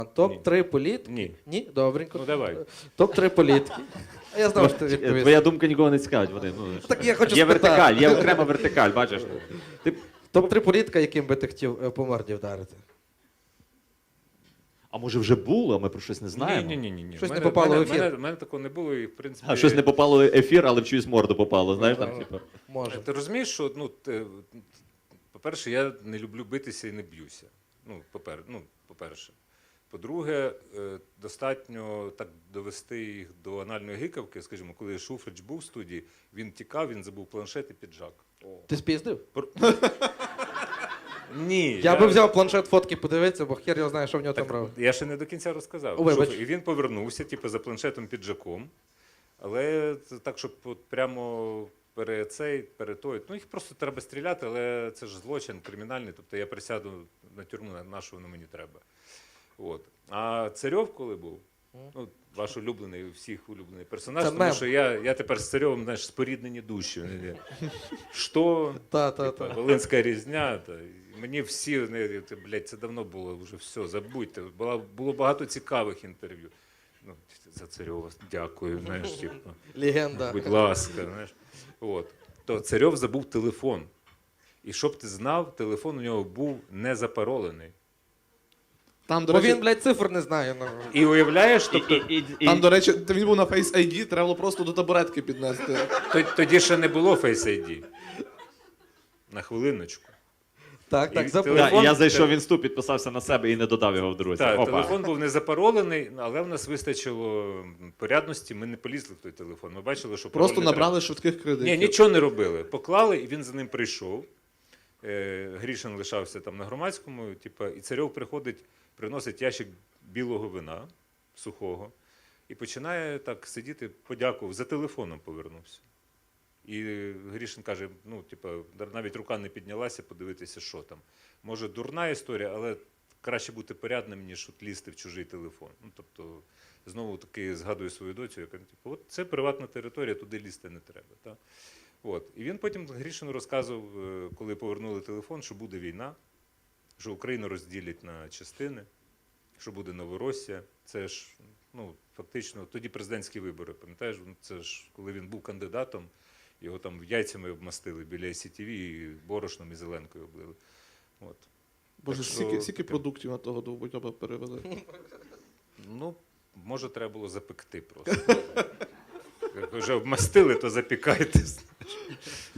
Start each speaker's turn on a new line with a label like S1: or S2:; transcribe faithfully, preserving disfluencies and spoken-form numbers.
S1: Топ три політики.
S2: Ні.
S1: Ні? Добренько.
S2: Ну давай.
S1: Топ три політики. А я знав, що ти відповість.
S3: Твоя думка нікого не цікавить, Вадим. Ну,
S1: Так я хочу
S3: є
S1: спитати.
S3: вертикаль, є окрема вертикаль, бачиш. Ти...
S1: Топ три політика, яким би ти хотів е, по морді вдарити.
S3: А може вже було, а ми про щось не знаємо?
S2: Ні, ні, ні, ні.
S1: Щось не
S2: Мене-
S1: попало
S2: мене-
S1: в ефір.
S2: Мене, мене такого не було, і в принципі.
S3: А щось не попало в ефір, але в чиюсь морду попало, знаєш, там, типу.
S1: Може.
S2: Ти розумієш, що ну, те- по-перше, я не люблю битися і не б'юся. Ну, попер, ну, по-перше. По-друге, е, достатньо так довести їх до анальної гикавки. Скажімо, коли Шуфрич був в студії, він тікав, він забув планшет і піджак.
S1: Ти спіздив?
S2: Ні.
S1: Я би взяв планшет фотки подивитися, бо хер його знає, що в нього там
S2: Так,
S1: робить.
S2: я ще не до кінця розказав.
S1: О, вибач.
S2: Що- І він повернувся, типу, за планшетом піджаком. Але це так, щоб от прямо перед цей, перед той. Ну, їх просто треба стріляти, але це ж злочин кримінальний. Тобто я присяду на тюрму, на що воно мені треба. От. А Царьов, коли був, ну, ваш улюблений, у всіх улюблений персонаж,
S1: Це
S2: тому
S1: мем.
S2: що я, я тепер з Царьовим, знаєш, споріднені душі. Що?
S1: Та, та,
S2: Типа,
S1: та.
S2: Волинська різня. Та. І мені всі, вони, ти, блядь, це давно було, вже все, забудьте. Було, було багато цікавих інтерв'ю. Ну, за Царьова дякую, знаєш, типу,
S1: Легенда.
S2: будь ласка, знаєш. От. То Царьов забув телефон. І щоб ти знав, телефон у нього був не запаролений.
S4: Там, до
S1: Бо
S4: речі,
S1: він, блядь, цифр не знає. Ну.
S2: І уявляєш,
S3: І,
S2: тобто,
S3: і, і, і,
S4: там, до речі, він був на Face ай ді, треба було просто до табуретки піднести.
S2: то- тоді ще не було Face ай ді. На хвилиночку.
S1: Так, так,
S2: І
S1: забув.
S3: да,
S2: телефон-
S3: і я зайшов в інсту, підписався на себе і не додав його в друзі.
S2: Так,
S3: Опа.
S2: телефон був не запаролений, але в нас вистачило порядності, ми не полізли в той телефон. Ми бачили, що
S4: Просто
S2: пароль не
S4: набрали швидких кредитів.
S2: Ні, нічого не робили. Поклали, і він за ним прийшов. Е, Грішин лишався там на громадському, типу, і Царьов приходить, приносить ящик білого вина сухого і починає так сидіти, подякував, за телефоном повернувся. І Грішин каже: ну, типу, навіть рука не піднялася подивитися, що там. Може, дурна історія, але краще бути порядним, ніж от лізти в чужий телефон. Ну, тобто, знову таки згадую свою доцю, яка, типу, от це приватна територія, туди лізти не треба. Та? От. І він потім Грішину розказував, е, коли повернули телефон, що буде війна, що Україну розділять на частини, що буде Новоросія. Це ж, ну, фактично, тоді президентські вибори, пам'ятаєш, це ж, коли він був кандидатом, його там яйцями обмастили біля ай сі ті ві, і борошном, і зеленкою облили. От.
S4: Боже,
S2: Так що
S4: стільки, стільки
S2: таке.
S4: продуктів на того довбойоба перевели.
S2: Ну, може, треба було запекти просто. Як вже обмастили, то запікайте. знаєш.